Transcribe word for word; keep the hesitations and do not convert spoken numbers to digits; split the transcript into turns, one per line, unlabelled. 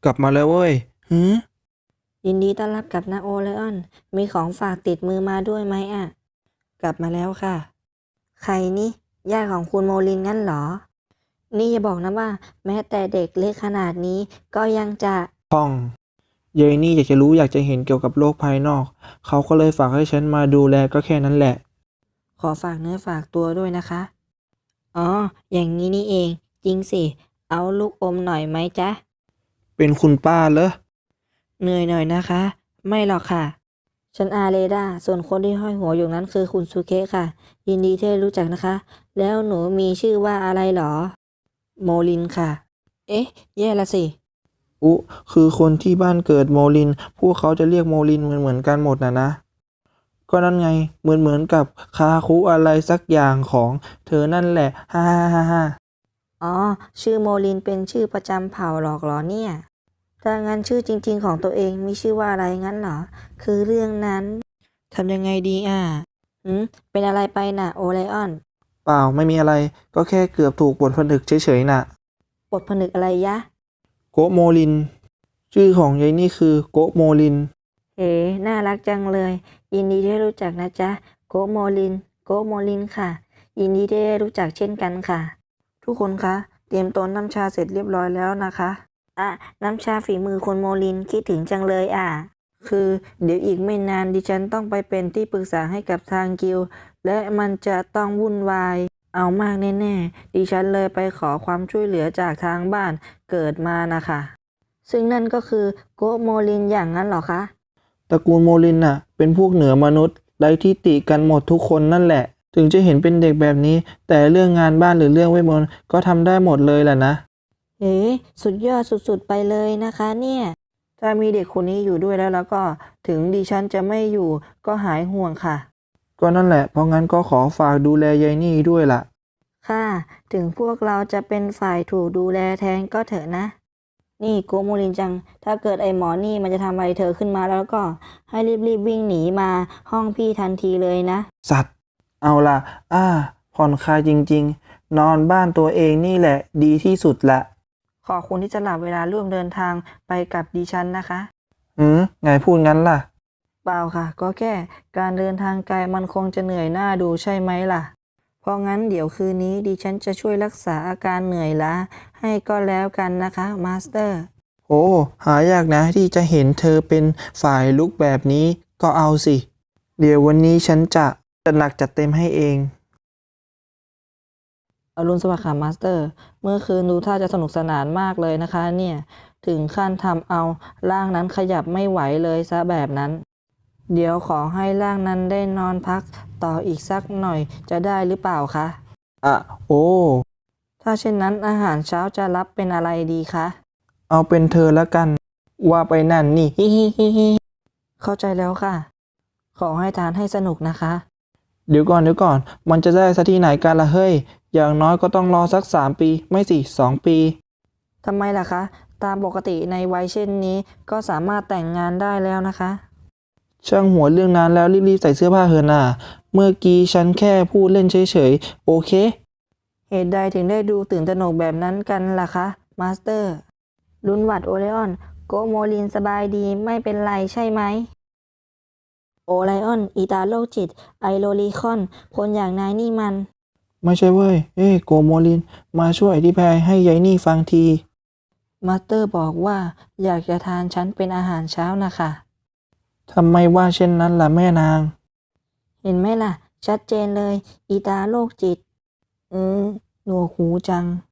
กลับมาแล้วเว้ยหือ
ยินดีต้อนรับกลับนะโอไลออนมีของฝากติดมือมาด้วยไหมอ่ะกลับมาแล้วค่ะใครนี่ญาติของคุณโมลินงั้นเหรอนี่อย่าบอกนะว่าแม้แต่เด็กเล็กขนาดนี้ก็ยังจะ
พ่องเยายนี่อยากจะรู้อยากจะเห็นเกี่ยวกับโลกภายนอกเขาก็เลยฝากให้ฉันมาดูแลก็แค่นั้นแหละ
ขอฝากเนื้อฝากตัวด้วยนะคะอ๋ออย่างนี้นี่เองจริงสิเอาลูกอมหน่อยไหมจ๊ะ
เป็นคุณป้าเหรอ
เหนื่อยหน่อยนะคะไม่หรอกค่ะฉันอาเรดาส่วนคนที่ห้อยหัวอยู่นั้นคือคุณซูเคะค่ะยินดีที่ได้รู้จักนะคะแล้วหนูมีชื่อว่าอะไรหรอโมลินค่ะเอ๊ะแย่ละสิ
อุคือคนที่บ้านเกิดโมลินพวกเขาจะเรียกโมลินเหมือนเหมือนกันหมดนะนะก็นั่นไงเหมือนเหมือนกับคาคุอะไรสักอย่างของเธอนั่นแหละฮ่าฮ่าฮ่าฮ่า
อ๋อชื่อโมลินเป็นชื่อประจำเผ่าหรอกเหรอเนี่ยถ้างั้นชื่อจริงๆของตัวเองมีชื่อว่าอะไรงั้นเหรอคือเรื่องนั้นทำยังไงดีอ่ะหืมเป็นอะไรไปน่ะโอไลออน
เปล่าไม่มีอะไรก็แค่เกือบถูกบทผนึกเฉยๆน่ะ
บทผนึกอะไรยะ
โกะโมลินชื่อของยายนี่คือโกะโมลิน
เอ๋น่ารักจังเลยยินดีที่ได้รู้จักนะจ๊ะโกโมลินโกโมลินค่ะยินดีที่ได้รู้จักเช่นกันค่ะทุกคนคะเตรียมต้นน้ำชาเสร็จเรียบร้อยแล้วนะคะอ่ะน้ำชาฝีมือคนโมลินคิดถึงจังเลยอ่ะคือเดี๋ยวอีกไม่นานดิฉันต้องไปเป็นที่ปรึกษาให้กับทางกิลด์และมันจะต้องวุ่นวายเอามากแน่ๆดิฉันเลยไปขอความช่วยเหลือจากทางบ้านเกิดมานะคะซึ่งนั่นก็คือโกโมลินอย่างนั้นเหรอคะ
ตระกูลโมลินน่ะเป็นพวกเหนือมนุษย์ไร้ที่ติกันหมดทุกคนนั่นแหละถึงจะเห็นเป็นเด็กแบบนี้แต่เรื่องงานบ้านหรือเรื่องเวทมนต์ก็ทำได้หมดเลยแหละนะ
เอ๋สุดยอดสุดๆไปเลยนะคะเนี่ยถ้ามีเด็กคนนี้อยู่ด้วยแล้วแล้วก็ถึงดิฉันจะไม่อยู่ก็หายห่วงค่ะ
ก็นั่นแหละเพราะงั้นก็ขอฝากดูแลยายนี่ด้วยล่ะ
ค่ะถึงพวกเราจะเป็นฝ่ายถูกดูแลแทนก็เถอะนะนี่โกโมรินจังถ้าเกิดไอ้หมอนี่มันจะทำอะไรเธอขึ้นมาแล้วก็ให้รีบๆวิ่งหนีมาห้องพี่ทันทีเลยนะ
สัตว์เอาล่ะอ้าผ่อนคลายจริงๆนอนบ้านตัวเองนี่แหละดีที่สุดละ
ขอบคุณที่สละเวลาร่วมเดินทางไปกับดิฉันนะคะ
อืมไงพูดงั้นล่ะ
เปล่าค่ะก็แค่การเดินทางไกลมันคงจะเหนื่อยหน้าดูใช่ไหมล่ะ เพราะงั้นเดี๋ยวคืนนี้ดิฉันจะช่วยรักษาอาการเหนื่อยล้าให้ก็แล้วกันนะคะมาสเตอร์
โอ้หายากนะที่จะเห็นเธอเป็นฝ่ายลุกแบบนี้ก็เอาสิเดี๋ยววันนี้ฉันจะจะหนักจัดเต็มให้เอง
อรุณสวัสดิ์ค่ะมาสเตอร์เมื่อคืนดูท่าจะสนุกสนานมากเลยนะคะเนี่ยถึงขั้นทำเอาร่างนั้นขยับไม่ไหวเลยซะแบบนั้นเดี๋ยวขอให้ร่างนั้นได้นอนพักต่ออีกสักหน่อยจะได้หรือเปล่าคะ
อ่ะโอ้
ถ้าเช่นนั้นอาหารเช้าจะรับเป็นอะไรดีคะ
เอาเป็นเธอแล้วกันว่าไปนั่นนี่ฮิฮิฮิฮิ
เข้าใจแล้วค่ะขอให้ทานให้สนุกนะคะ
เดี๋ยวก่อนเดี๋ยวก่อนมันจะได้สักที่ไหนกันล่ะเฮ้ยอย่างน้อยก็ต้องรอสักสามปีไม่สิสองปี
ทำไมล่ะคะตามปกติในวัยเช่นนี้ก็สามารถแต่งงานได้แล้วนะคะ
ช่างหัวเรื่องนั้นแล้วรีบๆใส่เสื้อผ้าเถอะน่ะเมื่อกี้ฉันแค่พูดเล่นเฉยๆโอเค
เหตุใดถึงได้ดูตื่นตระหนกแบบนั้นกันล่ะคะมาสเตอร์ลุนหวัดโอไลออนโกโมลินสบายดีไม่เป็นไรใช่ไหมโอไลออนอีตาโรคจิตไอโรลีคอนคนอย่างนายนี่มัน
ไม่ใช่เว้ยเอ้ยโกโมลินมาช่วยอธิบายให้ยายนี่ฟังที
มาสเตอร์บอกว่าอยากจะทานฉันเป็นอาหารเช้านะคะ
ทำไมว่าเช่นนั้นล่ะแม่นาง
เห็นไหมล่ะชัดเจนเลยอีตาโรคจิตอืมหนวกหูจัง